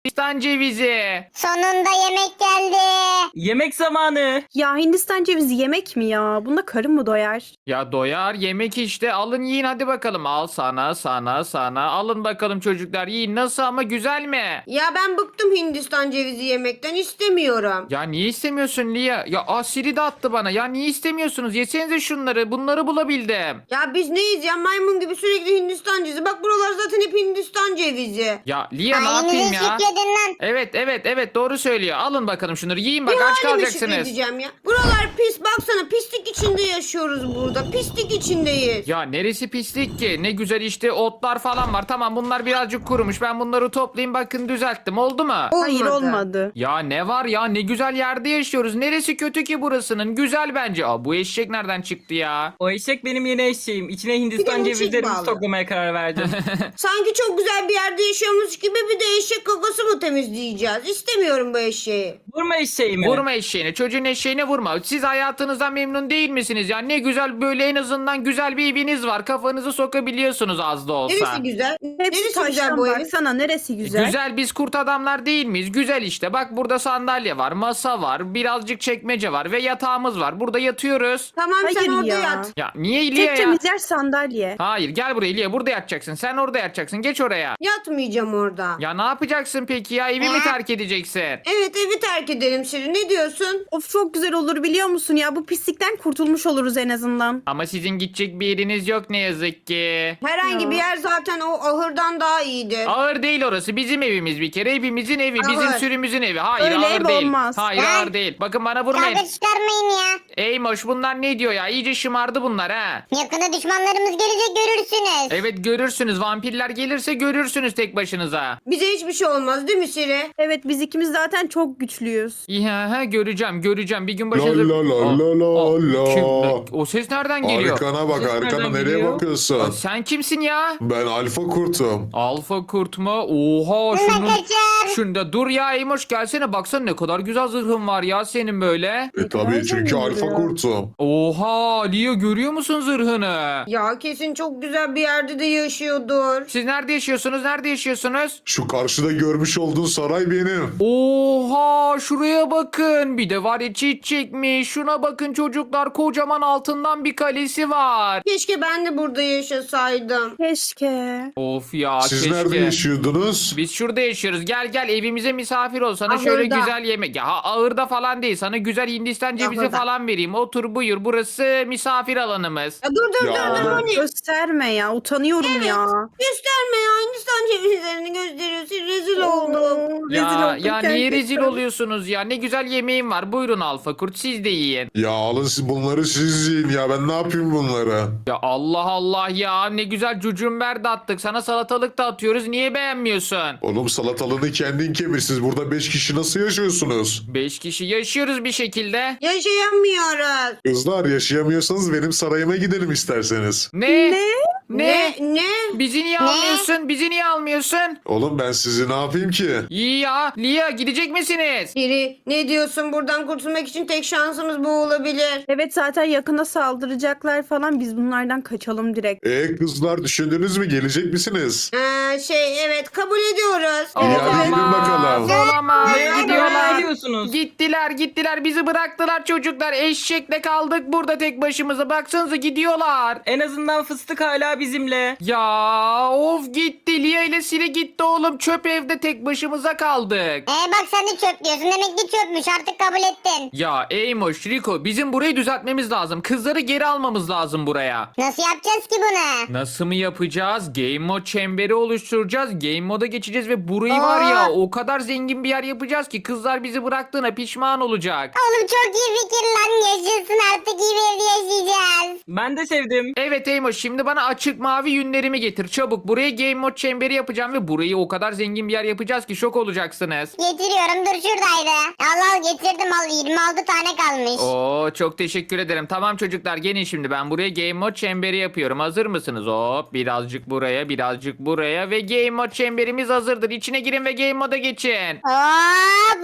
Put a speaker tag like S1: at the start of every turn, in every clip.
S1: Hindistan cevizi.
S2: Sonunda yemek geldi.
S3: Yemek zamanı.
S4: Ya Hindistan cevizi yemek mi ya? Bunda karın mı doyar?
S1: Ya doyar yemek işte, alın yiyin hadi bakalım. Al sana. Alın bakalım çocuklar, yiyin. Nasıl ama, güzel mi?
S5: Ya ben bıktım Hindistan cevizi yemekten, istemiyorum.
S1: Ya niye istemiyorsun Lia? Ya Siri de attı bana. Ya niye istemiyorsunuz? Yesenize şunları. Bunları bulabildim.
S5: Ya biz neyiz ya, maymun gibi sürekli Hindistan cevizi. Bak buralar zaten hep Hindistan cevizi.
S1: Ya Lia ne yapayım
S2: Ailenize
S1: ya?
S2: şükredin lan.
S1: Evet doğru söylüyor. Alın bakalım şunları, yiyin bak,
S5: Bir
S1: aç
S5: halime
S1: kalacaksınız.
S5: şükredeceğim ya. Buralar pis, baksana pislik içinde yaşıyoruz burada. Pislik içindeyiz.
S1: Ya neresi pislik ki? Ne güzel işte, otlar falan var. Tamam, bunlar birazcık kurumuş. Ben bunları toplayayım, bakın düzelttim. Oldu mu?
S4: Hayır olmadı.
S1: Ya ne var ya, ne güzel yerde yaşıyoruz. Neresi kötü ki burasının? Güzel bence. Bu eşek nereden çıktı ya?
S3: O eşek benim yeni eşeğim. İçine
S5: Bir
S3: Hindistan
S5: de mıçık
S3: cevizlerimizi
S5: bağlı.
S3: toklamaya karar verdim.
S5: Sanki çok güzel bir yerde yaşıyormuş gibi bir de eşek kakası mı temizleyeceğiz? İstemiyorum bu eşeği.
S3: Vurma eşeğimi.
S1: Vurma eşeğine, çocuğun eşeğine vurma. Siz hayatınızdan memnun değil misiniz ya? Ne güzel, böyle en azından güzel bir eviniz var. Kafanızı sokabiliyorsunuz az da olsa.
S5: Neresi güzel?
S4: Hepsi
S5: Neresi güzel
S4: taştan
S5: bu evin?
S4: baksana neresi güzel.
S1: Güzel, biz kurt adamlar değil miyiz? Güzel işte. Bak burada sandalye var, masa var, birazcık çekmece var ve yatağımız var. Burada yatıyoruz.
S5: Tamam sen
S4: Hayır
S5: orada
S4: ya.
S5: yat.
S1: Ya niye İlya
S4: Tek
S1: ya?
S4: temiz yer sandalye.
S1: Hayır, gel buraya İlya, burada yatacaksın. Sen orada yatacaksın. Geç oraya.
S5: Yatmayacağım orada.
S1: Ya ne yapacaksın peki ya? Evi mi terk edeceksin?
S5: Evet, evi terk edelim Şirin. Ne diyorsun?
S4: Of çok güzel olur biliyor musun ya? Bu pislikten kurtulmuş oluruz en azından.
S1: Ama sizin gidecek bir yeriniz yok ne yazık ki.
S5: Herhangi
S4: Ya.
S5: bir yer zaten o ahırdan daha iyidir.
S1: Ağır değil orası. Bizim evimiz bir kere. Hepimizin evi. Bizim
S5: Ağır.
S1: sürümüzün evi. Hayır,
S4: Öyle
S1: ağır
S4: ev
S1: değil.
S4: olmaz.
S1: Hayır,
S2: Ya.
S1: ağır değil. Bakın bana vurmayın.
S2: Kavga çıkarmayın ya.
S1: Eymoş, bunlar ne diyor ya? İyice şımardı bunlar ha.
S2: Yakında düşmanlarımız gelecek, görürsünüz.
S1: Evet, görürsünüz. Vampirler gelirse görürsünüz tek başınıza.
S5: Bize hiçbir şey olmaz değil mi Şirin?
S4: Evet biz ikimiz zaten çok güçlüyüz.
S1: İyi, göreceğim. Bir gün
S6: La
S1: başınıza...
S6: la la la la
S1: Kim?
S6: la.
S1: O ses nereden geliyor?
S6: Arkana bak,
S3: Ses
S6: arkana
S3: nereden
S6: nereye
S3: geliyor?
S6: bakıyorsun?
S1: Sen kimsin ya?
S6: Ben alfa kurtum.
S1: Alfa kurt mu? Oha,
S2: Bunlar
S1: şunun...
S2: kaçar.
S1: Şunda dur ya Eymoş, gelsene baksana ne kadar güzel zırhın var ya senin böyle.
S6: Tabii çünkü
S4: Nereden
S6: alfa
S4: geliyor?
S6: kurtum.
S1: Oha Leo, görüyor musun zırhını?
S5: Ya kesin çok güzel bir yerde de yaşıyordur.
S1: Siz nerede yaşıyorsunuz? Nerede yaşıyorsunuz?
S6: Şu karşıda görmüş olduğun saray benim.
S1: Oha, şuraya bakın. Bir de var ya, çiç çekmiş. Şuna bakın çocuklar, kocaman altından bir kalesi var.
S5: Keşke ben de burada yaşasaydım.
S4: Keşke.
S1: Of ya,
S6: Siz
S1: keşke.
S6: nerede yaşıyordunuz?
S1: Biz şurada yaşıyoruz. Gel evimize misafir ol. Sana
S5: Ahırda.
S1: şöyle güzel yemek. Ya ağırda falan değil. Sana güzel Hindistan cevizi
S5: Ahırda.
S1: falan vereyim. Otur buyur. Burası misafir alanımız.
S5: Ya dur
S6: Ya.
S5: Moni.
S4: Gösterme ya utanıyorum ya.
S5: Gösterme ya, Hindistan cevizlerini gösteriyorsun. Rezil oldum.
S4: Rezil
S1: Ya
S4: olduk
S1: niye
S4: gerçekten.
S1: rezil oluyorsunuz ya? Ne güzel yemeğim var. Buyurun Alfa Kurt, siz de yiyin.
S6: Ya alın siz bunları, siz yiyin ya, ben ne yapayım bunları?
S1: Ya Allah Allah ya, ne güzel cucumber de attık. Sana salatalık da atıyoruz. Niye beğenmiyorsun?
S6: Oğlum salatalığını kendin kemir, siz burada 5 kişi nasıl yaşıyorsunuz?
S1: 5 kişi yaşıyoruz bir şekilde.
S5: Yaşayamıyoruz.
S6: Kızlar, yaşayamıyorsanız benim sarayıma gidelim isterseniz.
S1: Ne?
S4: Ne?
S5: Ne?
S1: Bizi niye almıyorsun? Bizi niye almıyorsun?
S6: Oğlum ben sizi ne yapayım ki?
S1: İyi ya. Lia, gidecek misiniz?
S5: Biri ne diyorsun, buradan kurtulmak için tek şansımız bu olabilir.
S4: Evet zaten yakına saldıracaklar falan biz bunlardan kaçalım direkt.
S6: Kızlar, düşündünüz mü, gelecek misiniz?
S5: Evet, kabul ediyoruz.
S6: İyi, hadi gidin bakalım.
S1: Olamaz.
S3: Ne
S1: Gidiyorlar.
S3: ediyorsunuz?
S1: Gittiler. Bizi bıraktılar çocuklar. Eşekle kaldık burada tek başımıza. Baksanıza, gidiyorlar.
S3: En azından fıstık hala bizimle.
S1: Ya of, gitti. Lia ile Siri gitti oğlum. Çöp evde tek başımıza kaldık.
S2: Bak sen de çöp diyorsun. Demek ki çöpmüş, artık kabul ettin.
S1: Ya Eymoş, Rico, bizim burayı düzeltmemiz lazım. Kızları geri almamız lazım buraya.
S2: Nasıl yapacağız ki bunu?
S1: Nasıl mı yapacağız? Game Mode çemberi oluşturacağız. Game Mode'a geçeceğiz ve burayı var ya, o kadar zengin bir yer yapacağız ki kızlar bizi bıraktığına pişman olacak.
S2: Oğlum çok iyi fikir lan. Yaşasın, artık iyi bir evde yaşayacağız.
S3: Ben de sevdim.
S1: Evet Eymoş, şimdi bana açık mavi yünlerimi getir. Çabuk, buraya Game Mode çemberi yapacağım ve burayı o kadar zengin bir yer yapacağız ki şok olacaksınız.
S2: Getiriyorum, dur şuradaydı. Al getirdim, al 26 tane kalmış.
S1: Oo, çok teşekkür ederim. Tamam çocuklar, gelin şimdi, ben buraya Game Mode çemberi yapıyorum. Hazır mısınız? Hop, birazcık buraya, birazcık buraya ve Game Mode çemberimiz hazırdır. İçine girin ve Game Mode'a geçin.
S2: Hop.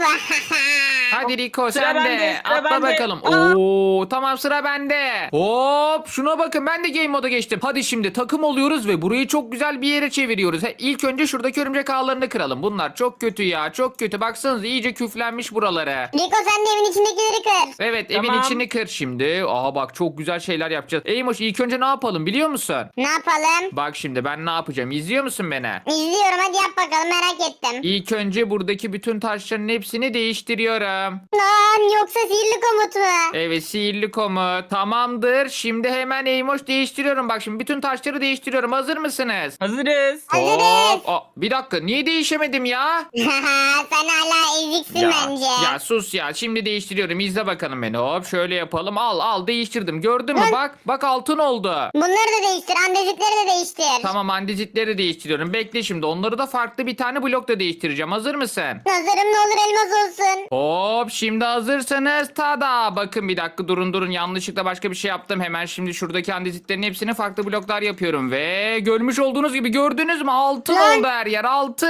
S1: Hadi Rico
S3: Sıra
S1: sen de.
S3: bende, sıra
S1: Atla
S3: bende.
S1: bakalım. Oo tamam sıra bende. Hop şuna bakın ben de game moda geçtim. Hadi şimdi takım oluyoruz ve burayı çok güzel bir yere çeviriyoruz. İlk önce şuradaki örümcek ağlarını kıralım. Bunlar çok kötü ya çok kötü. Baksanıza iyice küflenmiş buraları.
S2: Rico sen de evin içindekileri kır.
S1: Evet evin
S3: Tamam.
S1: içini kır şimdi. Aa bak çok güzel şeyler yapacağız. Eymoş ilk önce ne yapalım biliyor musun?
S2: Ne yapalım?
S1: Bak şimdi ben ne yapacağım izliyor musun beni?
S2: İzliyorum hadi yap bakalım merak ettim.
S1: İlk önce buradaki bütün taşların hepsini değiştiriyorum.
S2: Lan yoksa sihirli komut mu?
S1: Evet sihirli komut. Tamamdır. Şimdi hemen Eymoş değiştiriyorum. Bak şimdi bütün taşları değiştiriyorum. Hazır mısınız?
S3: Hazırız.
S2: Hazırız.
S1: Hop. Aa, bir dakika niye değişemedim ya?
S2: Sen hala eziksin bence.
S1: ya sus ya. Şimdi değiştiriyorum. İzle bakalım beni. Hop şöyle yapalım. Al değiştirdim. Gördün mü? Bak altın oldu.
S2: Bunları da değiştir. Andezitleri de değiştir.
S1: Tamam andezitleri değiştiriyorum. Bekle şimdi. Onları da farklı bir tane blokla değiştireceğim. Hazır mısın?
S2: Nazarım ne olur elmas olsun.
S1: Hop şimdi hazırsanız tada. Bakın bir dakika durun yanlışlıkla başka bir şey yaptım. Hemen şimdi şuradaki andezitlerin hepsini farklı bloklar yapıyorum. Ve görmüş olduğunuz gibi gördünüz mü altın oldu her yer altın.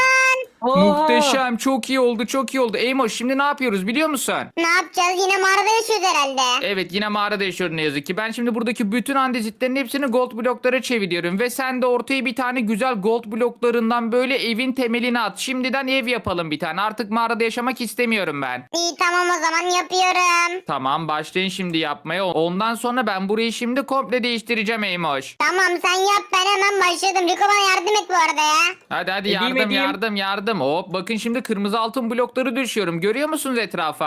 S3: Oha.
S1: Muhteşem çok iyi oldu. Eymoş şimdi ne yapıyoruz biliyor musun?
S2: Ne yapacağız? Yine mağarada yaşıyoruz herhalde.
S1: Evet yine mağarada yaşıyorum ne yazık ki. Ben şimdi buradaki bütün andezitlerin hepsini gold bloklara çeviriyorum. Ve sen de ortaya bir tane güzel gold bloklarından böyle evin temelini at. Şimdiden ev yapalım bir tane. Artık mağarada yaşamak istemiyorum ben.
S2: İyi tamam o zaman yapıyorum.
S1: Tamam başlayın şimdi yapmaya. Ondan sonra ben burayı şimdi komple değiştireceğim Eymoş.
S2: Tamam sen yap ben hemen başladım. Rico bana yardım et bu arada ya.
S1: Hadi
S3: Edeyim.
S1: yardım. Hop bakın şimdi kırmızı altın blokları düşüyorum. Görüyor musunuz etrafa?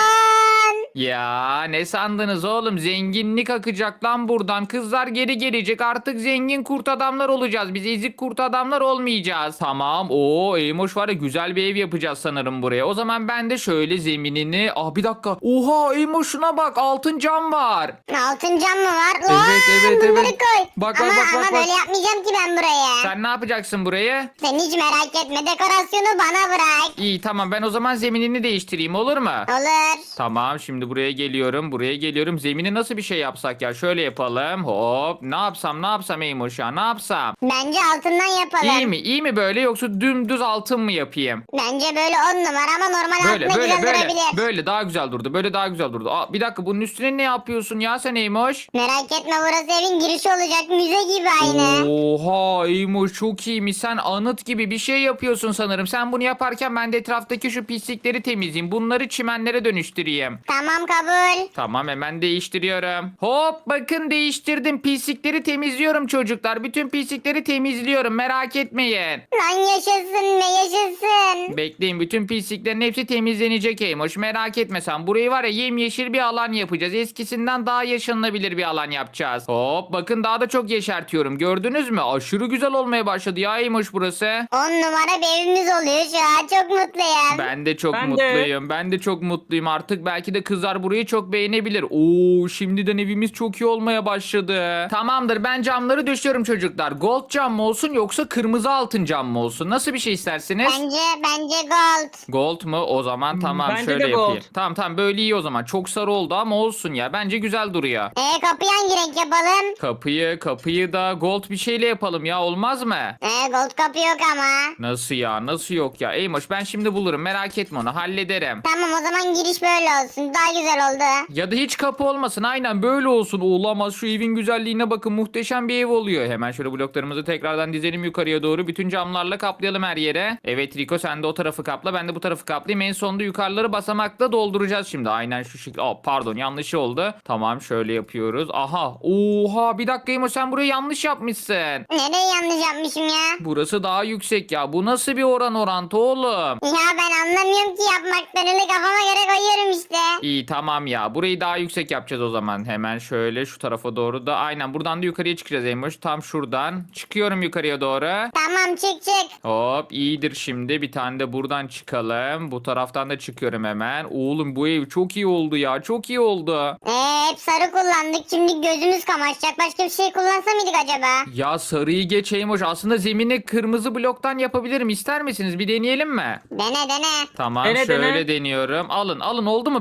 S2: Lan.
S1: Ya ne sandınız oğlum? Zenginlik akacak lan buradan. Kızlar geri gelecek. Artık zengin kurt adamlar olacağız. Biz ezik kurt adamlar olmayacağız. Tamam. Eymoş var ya güzel bir ev yapacağız sanırım buraya. O zaman ben de şöyle zeminini... bir dakika. Oha Eymoş şuna bak. Altın cam var.
S2: Altın cam mı var? Lan
S1: Evet.
S2: bunları koy.
S1: Bak,
S2: ama,
S1: bak,
S2: ama
S1: bak.
S2: böyle yapmayacağım ki ben buraya.
S1: Sen ne yapacaksın burayı?
S2: Sen hiç merak etme dekorasyonu bana bırak.
S1: İyi tamam ben o zaman zeminini değiştireyim olur mu?
S2: Olur.
S1: Tamam şimdi buraya geliyorum. Zemini nasıl bir şey yapsak ya? Şöyle yapalım. Hop. Ne yapsam Eymoş ya? Ne yapsam?
S2: Bence altından yapalım.
S1: İyi mi böyle yoksa dümdüz altın mı yapayım?
S2: Bence böyle 10 numara ama normal
S1: Böyle
S2: altına güzel
S1: böyle
S2: durabilir.
S1: böyle daha güzel durdu. Böyle daha güzel durdu. Bir dakika bunun üstüne ne yapıyorsun ya sen Eymoş?
S2: Merak etme burası evin girişi olacak müze gibi aynı.
S1: Oha Eymoş çok iyiymiş. Sen anıt gibi bir şey yapıyorsun sanırım. Sen bunu yaparken ben de etraftaki şu pislikleri temizleyeyim. Bunları çimenlere dönüştüreyim.
S2: Tamam kabul.
S1: Tamam hemen değiştiriyorum. Hop bakın değiştirdim. Pislikleri temizliyorum çocuklar. Bütün pislikleri temizliyorum. Merak etmeyin.
S2: Lan yaşasın be yaşasın.
S1: Bekleyin bütün pisliklerin hepsi temizlenecek Eymoş. Merak etme sen. Burayı var ya yemyeşil bir alan yapacağız. Eskisinden daha yaşanılabilir bir alan yapacağız. Hop bakın daha da çok yeşertiyorum. Gördünüz mü? Aşırı güzel olmaya başladı ya Eymoş burası.
S2: 10 numara bir evimiz oluyor şu an çok mutluyum.
S1: Ben de çok
S3: Ben de.
S1: mutluyum. Ben de çok mutluyum. Artık belki de kızlar burayı çok beğenebilir. Oo, şimdiden evimiz çok iyi olmaya başladı. Tamamdır. Ben camları döşüyorum çocuklar. Gold cam mı olsun yoksa kırmızı altın cam mı olsun? Nasıl bir şey istersiniz?
S2: Bence gold.
S1: Gold mu? O zaman tamam
S3: bence
S1: şöyle
S3: de gold.
S1: yapayım. Tamam böyle iyi o zaman. Çok sarı oldu ama olsun ya. Bence güzel duruyor.
S2: Kapıyı hangi renk yapalım?
S1: Kapıyı da gold bir şeyle yapalım ya. Olmaz mı?
S2: Gold kapı yok ama.
S1: Nasıl ya? Nasıl yok ya? Eymoş ben şimdi bulurum. Merak etme onu. Hallederim.
S2: Tamam o zaman giriş böyle olsun. Daha güzel oldu.
S1: Ya da hiç kapı olmasın. Aynen böyle olsun. Olamaz. Şu evin güzelliğine bakın. Muhteşem bir ev oluyor. Hemen şöyle bloklarımızı tekrardan dizelim yukarıya doğru. Bütün camlarla kaplayalım her yere. Evet Rico sen de o tarafı kapla. Ben de bu tarafı kaplayayım. En sonunda yukarıları basamakla dolduracağız şimdi. Aynen şu şekilde. Pardon yanlış oldu. Tamam şöyle yapıyoruz. Aha. Oha bir dakika sen burayı yanlış yapmışsın.
S2: Nereye yanlış yapmışım ya?
S1: Burası daha yüksek ya. Bu nasıl bir orantı oğlum?
S2: Ya ben anlamıyorum ki yapmaktan. Öyle kafama göre koyuyorum işte.
S1: İyi tamam ya. Burayı daha yüksek yapacağız o zaman. Hemen şöyle şu tarafa doğru da. Aynen buradan da yukarıya çıkacağız Eymoş. Tam şuradan. Çıkıyorum yukarıya doğru.
S2: Tamam çık.
S1: Hop iyidir şimdi. Bir tane de buradan çıkalım. Bu taraftan da çıkıyorum hemen. Oğlum bu ev çok iyi oldu ya. Çok iyi oldu.
S2: Hep sarı kullandık. Şimdi gözümüz kamaşacak. Başka bir şey kullansa mıydık acaba?
S1: Ya sarıyı geç Eymoş. Aslında zemini kırmızı bloktan yapabilirim. İster misiniz? Bir deneyelim mi?
S2: Dene.
S1: Tamam
S3: Dene,
S1: şöyle
S3: dene.
S1: deniyorum. Alın oldu mu? Böyle daha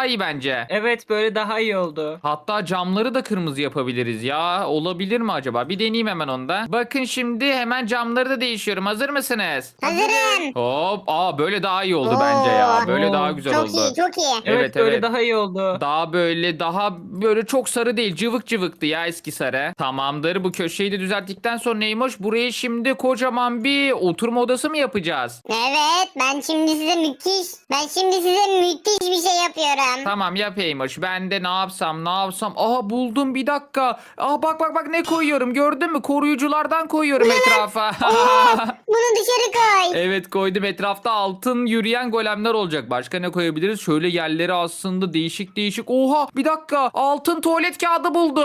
S1: iyi bence.
S3: Evet böyle daha iyi oldu.
S1: Hatta camları da kırmızı yapabiliriz ya. Olabilir mi acaba? Bir deneyeyim hemen onda. Bakın şimdi hemen camları da değişiyorum. Hazır mısınız?
S2: Hazırım.
S1: Hop. Aa böyle daha iyi oldu bence ya. Böyle
S3: Oo.
S1: daha güzel
S2: Çok
S1: oldu.
S2: iyi çok iyi.
S1: Evet,
S3: böyle
S1: evet.
S3: daha iyi oldu.
S1: Daha böyle çok sarı değil. Cıvık cıvıktı ya eski sarı. Tamamdır. Bu köşeyi de düzelttikten sonra neymiş? Burayı şimdi kocaman bir oturma odası mı yapacağız?
S2: Evet ben şimdi size müthiş bir şey yapıyorum.
S1: Tamam yapaymış. Ben de ne yapsam? Aha buldum bir dakika. Aa bak ne koyuyorum gördün mü? Koruyuculardan koyuyorum etrafa.
S2: Bunu dışarı koy.
S1: Evet koydum. Etrafta altın yürüyen golemler olacak. Başka ne koyabiliriz? Şöyle yerleri aslında değişik. Oha bir dakika. Altın tuvalet kağıdı buldum.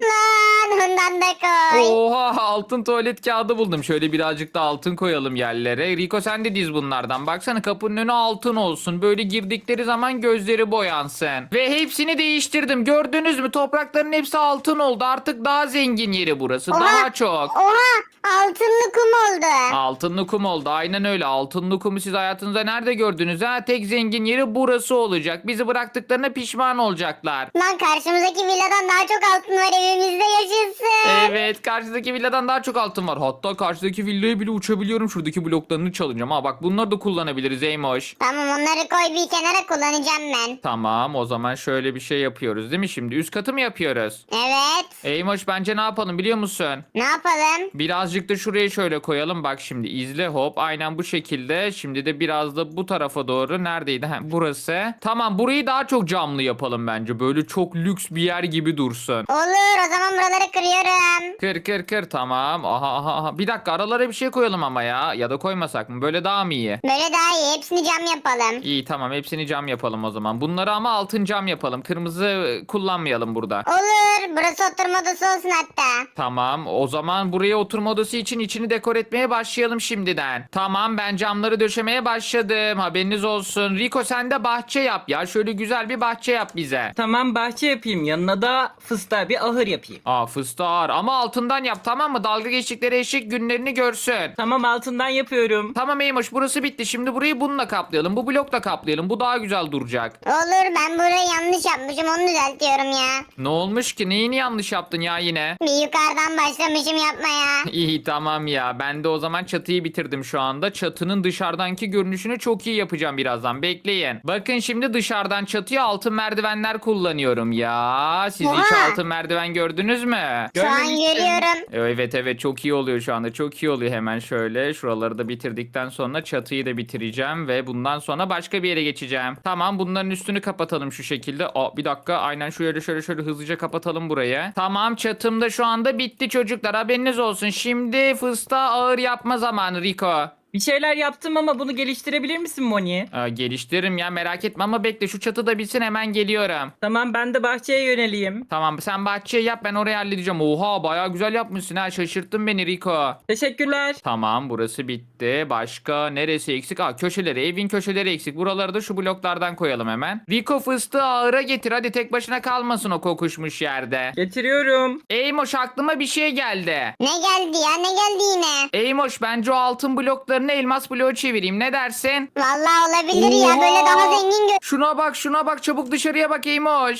S2: Lan ondan da koy.
S1: Oha altın tuvalet kağıdı buldum. Şöyle birazcık da altın koyalım yerlere. Rico sen de diz bunlardan. Baksana kapının önü altın olsun. Böyle girdikleri zaman gözleri boyansın. Ve hepsini değiştirdim. Gördünüz mü? Toprakların hepsi altın oldu. Artık daha zengin yeri burası.
S2: Oha.
S1: Daha çok.
S2: Oha altınlı kum oldu.
S1: Altınlı kum oldu. Aynen öyle. Altınlı kumu siz hayatınızda nerede gördünüz ha? Tek zengin yeri burası olacak. Bizi bıraktıklarına pişman olacaklar.
S2: Lan karşımızdaki villadan daha çok altın var evimizde yaşasın.
S1: Evet karşıdaki villadan daha çok altın var. Hatta karşıdaki villaya bile uçabiliyorum. Şuradaki bloklarını çalacağım. Ha bak bunları da kullanabiliriz Eymoş.
S2: Tamam onları koy bir kenara kullanacağım ben.
S1: Tamam o zaman şöyle bir şey yapıyoruz değil mi şimdi? Üst katı mı yapıyoruz?
S2: Evet.
S1: Eymoş bence ne yapalım biliyor musun?
S2: Ne yapalım?
S1: Birazcık da şuraya şöyle koyalım. Bak şimdi izle hop. Aynen bu şekilde. Şimdi de biraz da bu tarafa doğru. Neredeydi? Ha, burası. Tamam burayı daha çok camlı yapalım bence. Böyle çok lüks bir yer gibi dursun.
S2: Olur o zaman buraları kırıyorum.
S1: Kır tamam. Aha. Bir dakika aralara bir şey koyalım ama ya. Ya da koymasak mı? Böyle daha mı iyi?
S2: Böyle daha iyi hepsini cam yapalım.
S1: İyi tamam hepsini cam yapalım o zaman. Bunları ama altın cam yapalım. Kırmızı kullanmayalım burada.
S2: Olur burası oturma odası olsun hatta.
S1: Tamam o zaman buraya oturma odası için içini dekor etmeye başlayalım şimdiden. Tamam ben camları döşemeye başladım. Haberiniz olsun. Rico sen de bahçe yap ya. Şöyle güzel bir bahçe yap bize.
S3: Tamam bahçe yapayım. Yanına da fıstığa bir ahır yapayım.
S1: Aa fıstığı ağır ama altından yap tamam mı? Dalga geçtikleri eşek günlerini görsün.
S3: Tamam altından yapıyorum.
S1: Tamam Eymoş burası bitti. Şimdi burayı bununla kaplayalım. Bu blokla kaplayalım. Bu daha güzel duracak.
S2: Olur ben burayı yanlış yapmışım onu düzeltiyorum ya.
S1: Ne olmuş ki? Neyini yanlış yaptın ya yine?
S2: Bir yukarıdan başlamışım yapmaya.
S1: İyi tamam ya. Ben de o zaman çatıyı bitirdim şu anda. Çatının dışarıdanki görünüşünü çok iyi yapacağım birazdan. Bekleyin. Bakın şimdi dışarıdan çatıya altın merdivenler kullanıyorum ya. Siz hiç
S2: Oha.
S1: altın merdiven gördünüz mü?
S2: Şu an
S3: Görmemiştim.
S2: görüyorum.
S1: Evet çok iyi oluyor şu anda. Çok iyi oluyor hemen şöyle. Şuraları da bitirdikten sonra çatıyı da bitireceğim ve bundan sonra başka bir yere geçeceğim. Tamam bunların üstünü kapatalım şu şekilde. Aa bir dakika aynen şöyle hızlıca kapatalım burayı. Tamam çatım da şu anda bitti çocuklar. Haberiniz olsun. Şimdi fıstığa ağır yapma zamanı Rico.
S3: Bir şeyler yaptım ama bunu geliştirebilir misin Moni?
S1: Geliştiririm ya merak etme ama bekle şu çatı da bitsin hemen geliyorum.
S3: Tamam ben de bahçeye yöneleyim.
S1: Tamam sen bahçeyi yap ben orayı halledeceğim. Oha bayağı güzel yapmışsın ha şaşırttın beni Rico.
S3: Teşekkürler.
S1: Tamam burası bitti. Başka neresi eksik? Köşeleri evin köşeleri eksik. Buraları da şu bloklardan koyalım hemen. Rico fıstığı ağıra getir hadi tek başına kalmasın o kokuşmuş yerde.
S3: Getiriyorum.
S1: Eymoş aklıma bir şey geldi.
S2: Ne geldi ya ne geldi yine?
S1: Eymoş bence o altın bloklarını elmas bloğu çevireyim ne dersin?
S2: Vallahi olabilir ya böyle daha zengin
S1: Şuna bak çabuk dışarıya bak Eymoş.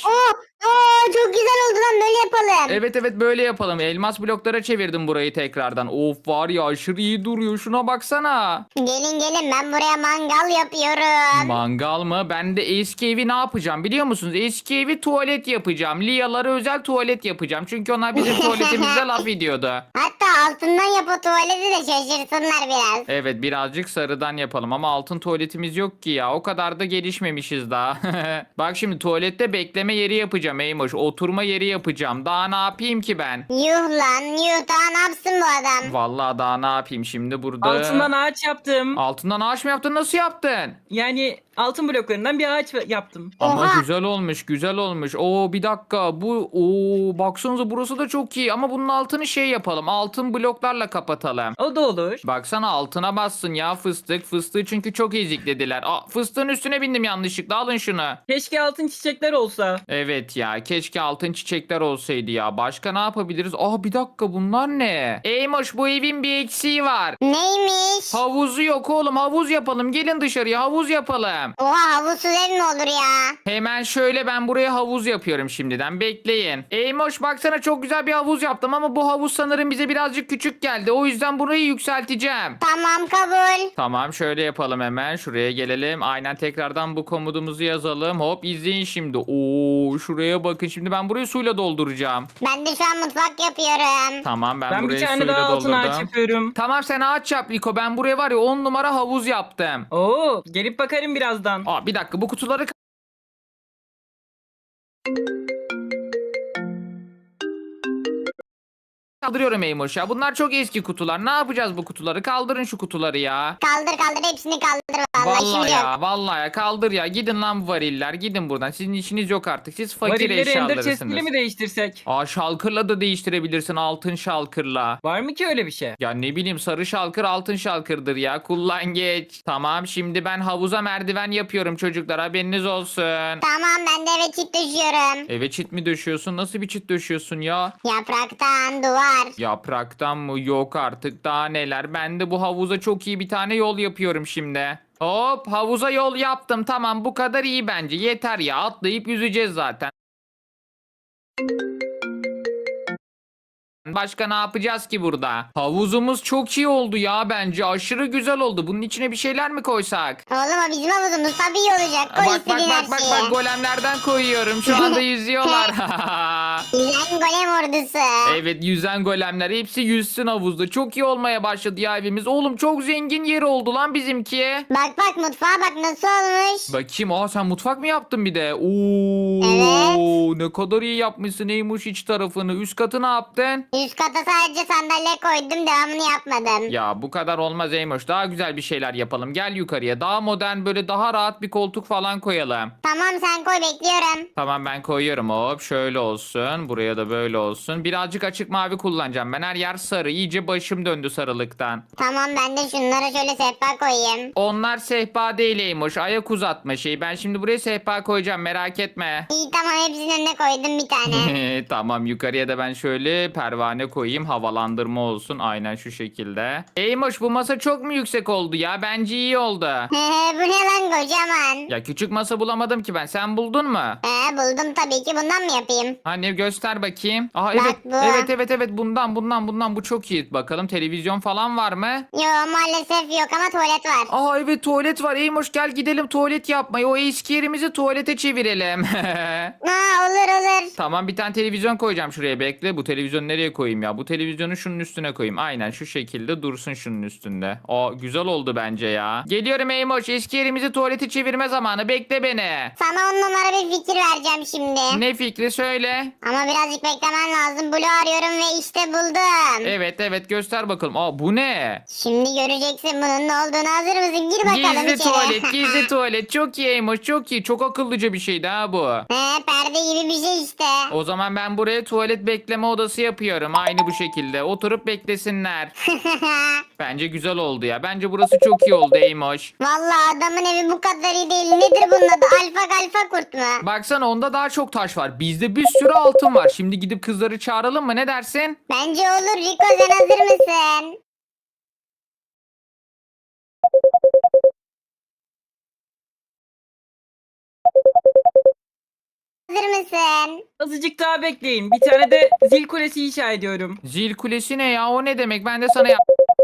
S2: Çok güzel oldu lan böyle yapalım.
S1: Evet böyle yapalım. Elmas bloklara çevirdim burayı tekrardan. Of var ya aşırı iyi duruyor. Şuna baksana.
S2: Gelin ben buraya mangal yapıyorum.
S1: Mangal mı? Ben de eski evi ne yapacağım biliyor musunuz? Eski evi tuvalet yapacağım. Liyalara özel tuvalet yapacağım. Çünkü onlar bizim tuvaletimizde laf ediyordu.
S2: Hatta altından yap o tuvaleti de şaşırsınlar biraz.
S1: Evet birazcık sarıdan yapalım ama altın tuvaletimiz yok ki ya. O kadar da gelişmemişiz daha. Bak şimdi tuvalette bekleme yeri yapacağım Eymoş. Oturma yeri yapacağım. Daha ne yapayım ki ben?
S2: Yuh lan yuh daha ne yapsın bu adam?
S1: Vallahi daha ne yapayım şimdi burada?
S3: Altından ağaç yaptım.
S1: Altından ağaç mı yaptın? Nasıl yaptın?
S3: Yani altın bloklarından bir ağaç yaptım.
S1: Ama
S2: Oha.
S1: güzel olmuş. Oo bir dakika. Baksanıza burası da çok iyi ama bunun altını şey yapalım. Altın bloklarla kapatalım.
S3: O da olur.
S1: Baksana altına bassın ya fıstık. Fıstığı çünkü çok eziklediler. Fıstığın üstüne bindim yanlışlıkla. Alın şunu.
S3: Keşke altın çiçekler olsa.
S1: Evet Evet ya, keşke altın çiçekler olsaydı ya. Başka ne yapabiliriz? Aa, bir dakika, bunlar ne? Eymoş, bu evin bir eksiği var.
S2: Neymiş?
S1: Havuzu yok oğlum, havuz yapalım. Gelin dışarıya havuz yapalım.
S2: Oha, havuzsuz ev mi olur ya?
S1: Hemen şöyle, ben buraya havuz yapıyorum şimdiden. Bekleyin. Eymoş, baksana, çok güzel bir havuz yaptım ama bu havuz sanırım bize birazcık küçük geldi. O yüzden burayı yükselteceğim.
S2: Tamam, kabul.
S1: Tamam, şöyle yapalım hemen. Şuraya gelelim. Aynen, tekrardan bu komutumuzu yazalım. Hop, izleyin şimdi. Oo, şuraya bakın. Şimdi ben burayı suyla dolduracağım.
S2: Ben de şu an mutfak yapıyorum.
S1: Tamam, ben
S3: Ben
S1: burayı
S3: bir tane
S1: suyla
S3: daha altın ağaç
S1: doldurdum.
S3: yapıyorum.
S1: Tamam, sen ağaç yap Liko. Ben buraya var ya 10 numara havuz yaptım.
S3: Oo, gelip bakarım birazdan.
S1: Aa, bir dakika, bu kutuları kaldırıyorum Eymoş ya. Bunlar çok eski kutular. Ne yapacağız bu kutuları? Kaldırın şu kutuları ya.
S2: Kaldır kaldır, hepsini kaldır vallahi,
S1: Vallahi
S2: işimiz yok.
S1: ya, vallahi ya, kaldır ya. Gidin lan bu variller. Gidin buradan. Sizin işiniz yok artık. Siz fakir
S3: Varilleri ender
S1: eşyalarısınız.
S3: chest'iyle mi değiştirsek?
S1: Aa, şalkırla da değiştirebilirsin, altın şalkırla.
S3: Var mı ki öyle bir şey?
S1: Ya ne bileyim, sarı şalkır altın şalkırdır ya. Kullan geç. Tamam, şimdi ben havuza merdiven yapıyorum çocuklar, haberiniz olsun.
S2: Tamam, ben de eve çit düşüyorum.
S1: Eve çit mi döşüyorsun? Nasıl bir çit döşüyorsun ya?
S2: Yapraktan duvar.
S1: Yapraktan mı? Yok artık, daha neler. Ben de bu havuza çok iyi bir tane yol yapıyorum şimdi. Hop, havuza yol yaptım. Tamam, bu kadar iyi bence. Yeter ya, atlayıp yüzeceğiz zaten. Başka ne yapacağız ki burada? Havuzumuz çok iyi oldu ya bence. Aşırı güzel oldu. Bunun içine bir şeyler mi koysak?
S2: Oğlum, o bizim havuzumuz, tabii iyi olacak. Koy
S1: Bak bak
S2: istediğin
S1: bak
S2: her
S1: bak
S2: şeyi.
S1: bak, golemlerden koyuyorum. Şu anda yüzüyorlar.
S2: Yüzen golem ordusu.
S1: Evet, yüzen golemler. Hepsi yüzsün havuzda. Çok iyi olmaya başladı ya evimiz. Oğlum, çok zengin yeri oldu lan bizimki.
S2: Bak bak, mutfağa bak nasıl olmuş.
S1: Bakayım. Aa, sen mutfak mı yaptın bir de? Oo, ne kadar iyi yapmışsın Eymuş iç tarafını. Üst katı ne yaptın?
S2: Üst kata sadece sandalye koydum, devamını yapmadım.
S1: Ya bu kadar olmaz Eymuş. Daha güzel bir şeyler yapalım. Gel yukarıya. Daha modern, böyle daha rahat bir koltuk falan koyalım.
S2: Tamam, sen koy, bekliyorum.
S1: Tamam, ben koyuyorum. Hop, şöyle olsun. Buraya da böyle olsun. Birazcık açık mavi kullanacağım. Ben her yer sarı. İyice başım döndü sarılıktan.
S2: Tamam, ben de şunlara şöyle sehpa koyayım.
S1: Onlar sehpa değil Eymuş. Ayak uzatma şeyi. Ben şimdi buraya sehpa koyacağım. Merak etme.
S2: İyi, tamam, hepsinin önüne koydum bir tane.
S1: Tamam, yukarıya da ben şöyle pervane koyayım. Havalandırma olsun. Aynen şu şekilde. Eymuş, bu masa çok mu yüksek oldu ya? Bence iyi oldu.
S2: Bu ne lan, kocaman.
S1: Ya küçük masa bulamadım ki ben. Sen buldun mu?
S2: Buldum tabii ki, bundan mı yapayım?
S1: Hani göster bakayım. Aha,
S2: Bak
S1: evet.
S2: bu.
S1: Evet, bundan bu çok iyi. Bakalım, televizyon falan var mı?
S2: Yo, maalesef yok ama tuvalet var.
S1: Aa, evet, tuvalet var. Eymoş, gel gidelim tuvalet yapmayı. O eski yerimizi tuvalete çevirelim.
S2: Olur.
S1: Tamam, bir tane televizyon koyacağım şuraya, bekle. Bu televizyonu nereye koyayım ya? Bu televizyonu şunun üstüne koyayım. Aynen şu şekilde dursun şunun üstünde. Aa, güzel oldu bence ya. Geliyorum Eymoş, eski yerimizi tuvalete çevirme zamanı. Bekle beni.
S2: Sana 10 numara bir fikir vereceğim şimdi.
S1: Ne fikri, söyle.
S2: Ama birazcık beklemen lazım. Blue arıyorum ve işte buldum.
S1: Evet, göster bakalım. Aa, bu ne?
S2: Şimdi göreceksin bunun ne olduğunu. Hazır mısın? Gir bakalım
S1: Gizli
S2: içeri.
S1: tuvalet, gizli tuvalet. Çok iyi Eymoş, çok iyi. Çok akıllıca bir şeydi ha bu.
S2: Perde gibi bir şey işte.
S1: O zaman ben buraya tuvalet bekleme odası yapıyorum. Aynı bu şekilde. Oturup beklesinler. Bence güzel oldu ya. Bence burası çok iyi oldu Eymoş.
S2: Vallahi adamın evi bu kadar iyi değil. Nedir bunun adı? Alfa kurt mu?
S1: Baksana, onda daha çok taş var. Bizde bir sürü altın var. Şimdi gidip kızları çağıralım mı? Ne dersin?
S2: Bence olur. Rico, sen hazır mısın? Hazır mısın?
S3: Azıcık daha bekleyin. Bir tane de zil kulesi inşa ediyorum.
S1: Zil kulesi ne ya? O ne demek? Ben de sana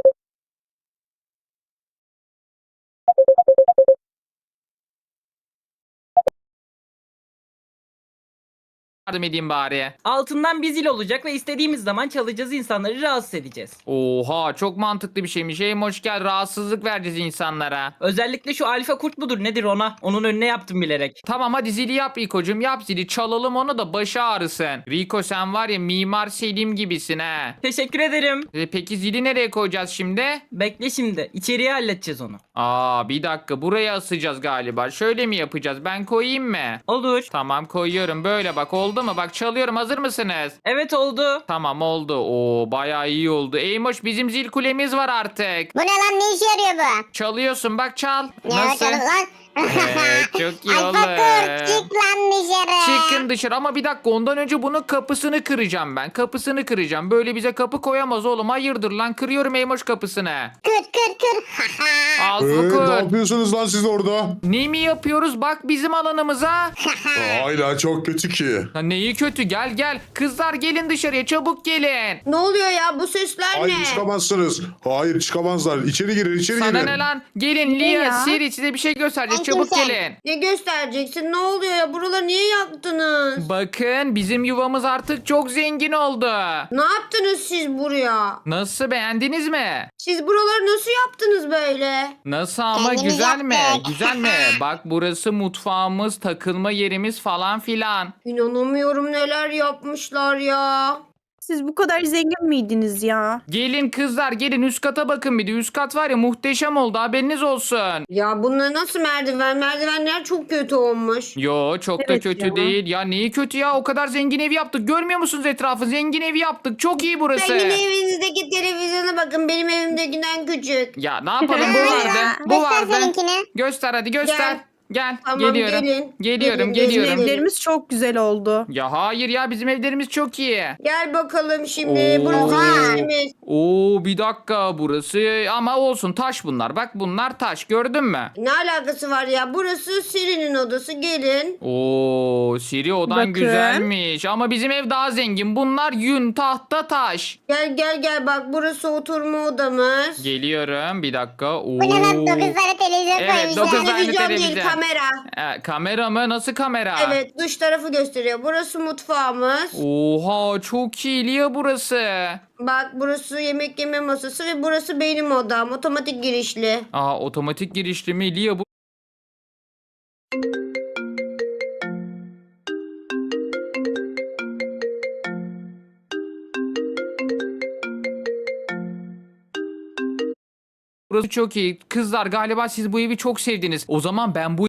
S1: yardım edeyim bari.
S3: Altından bir zil olacak ve istediğimiz zaman çalacağız, insanları rahatsız edeceğiz.
S1: Oha, çok mantıklı bir şeymiş. Eymoş, gel, rahatsızlık vereceğiz insanlara.
S3: Özellikle şu alfa kurt mudur nedir ona? Onun önüne yaptım bilerek.
S1: Tamam, hadi zili yap Rico'cum, yap zili, çalalım onu da başı ağrısın. Rico, sen var ya Mimar Selim gibisin ha.
S3: Teşekkür ederim.
S1: Peki zili nereye koyacağız şimdi?
S3: Bekle şimdi. İçeriye halledeceğiz onu.
S1: Aa, bir dakika, buraya asacağız galiba. Şöyle mi yapacağız? Ben koyayım mı?
S3: Olur.
S1: Tamam, koyuyorum. Böyle bak, oldu mu? Bak, çalıyorum. Hazır mısınız?
S3: Evet oldu.
S1: Tamam, oldu. Oo, bayağı iyi oldu. Eymoş, bizim zil kulemiz var artık.
S2: Bu ne lan, ne işe yarıyor bu?
S1: Çalıyorsun, bak, çal.
S2: Ne
S1: Nasıl?
S2: bakalım lan?
S1: Çok iyi
S2: Ay
S1: olur.
S2: fakir çık lan dışarı.
S1: Çıkın dışarı ama bir dakika ondan önce bunun kapısını kıracağım ben. Kapısını kıracağım. Böyle bize kapı koyamaz oğlum. Hayırdır lan kırıyorum Eymoş kapısını.
S2: Kır.
S1: Al
S6: Ne
S1: Fakir.
S6: yapıyorsunuz lan siz orada?
S1: Ne mi yapıyoruz? Bak bizim alanımıza.
S6: Hala çok kötü ki.
S1: Ha, neyi kötü? Gel. Kızlar gelin dışarıya çabuk gelin.
S5: Ne oluyor ya bu sesler
S6: Hayır
S5: ne?
S6: çıkamazsınız. Hayır çıkamazlar. İçeri girin içeri
S1: Sana
S6: girin.
S1: ne lan? Gelin
S4: Ne
S1: Lia,
S4: ya?
S1: Siri size bir şey göstereceğiz.
S2: Ben
S1: Çabuk
S2: kimsem.
S1: gelin.
S5: Ne göstereceksin? Ne oluyor ya? Buraları niye yaktınız?
S1: Bakın bizim yuvamız artık çok zengin oldu.
S5: Ne yaptınız siz buraya?
S1: Nasıl beğendiniz mi?
S5: Siz buraları nasıl yaptınız böyle?
S1: Nasıl ama
S2: Kendimiz
S1: güzel mi?
S2: yaptık.
S1: Güzel mi? Bak burası mutfağımız, takılma yerimiz falan filan.
S5: İnanamıyorum neler yapmışlar ya.
S4: Siz bu kadar zengin miydiniz ya?
S1: Gelin kızlar gelin üst kata bakın bir de. Üst kat var ya muhteşem oldu haberiniz olsun.
S5: Ya bunlar nasıl merdiven? Merdivenler çok kötü olmuş.
S1: Yo çok da
S4: Evet
S1: kötü
S4: ya.
S1: değil. Ya neyi kötü ya? O kadar zengin ev yaptık. Görmüyor musunuz etrafı? Zengin evi yaptık. Çok iyi burası.
S5: Zengin evinizdeki televizyona bakın. Benim evimdekinden küçük.
S1: Ya ne yapalım bu
S2: Hayır
S1: vardı.
S2: ya,
S1: Bu
S2: göster
S1: vardı.
S2: seninkini.
S1: Göster hadi göster.
S5: Gel.
S1: Gel.
S5: Tamam,
S1: Geliyorum.
S5: gelin.
S1: Geliyorum.
S5: Gelin,
S1: Geliyorum.
S5: gelin.
S4: Evlerimiz çok güzel oldu.
S1: Ya hayır ya bizim evlerimiz çok iyi.
S5: Gel bakalım şimdi.
S1: Oo.
S5: Burası girişimiz.
S1: Oo bir dakika burası ama olsun taş bunlar. Bak bunlar taş gördün mü?
S5: Ne alakası var ya? Burası Siri'nin odası. Gelin.
S1: Oo Siri odan
S4: Bakın.
S1: güzelmiş ama bizim ev daha zengin. Bunlar yün, tahta, taş.
S5: Gel bak. Burası oturma odamız.
S1: Geliyorum bir dakika. Oo.
S2: Bu ne lan 9 tane televizyon
S1: Evet,
S2: koymuşlar.
S1: 9 tane
S5: Televizyon değil,
S1: televizyon.
S5: kamera.
S1: Kamera mı? Nasıl kamera?
S5: Evet, dış tarafı gösteriyor. Burası mutfağımız.
S1: Oha çok iyi Lia burası.
S5: Bak burası yemek yeme masası ve burası benim odam. Otomatik girişli.
S1: Aa otomatik girişli mi Lia bu? Burası çok iyi. Kızlar galiba siz bu evi çok sevdiniz. O zaman ben bu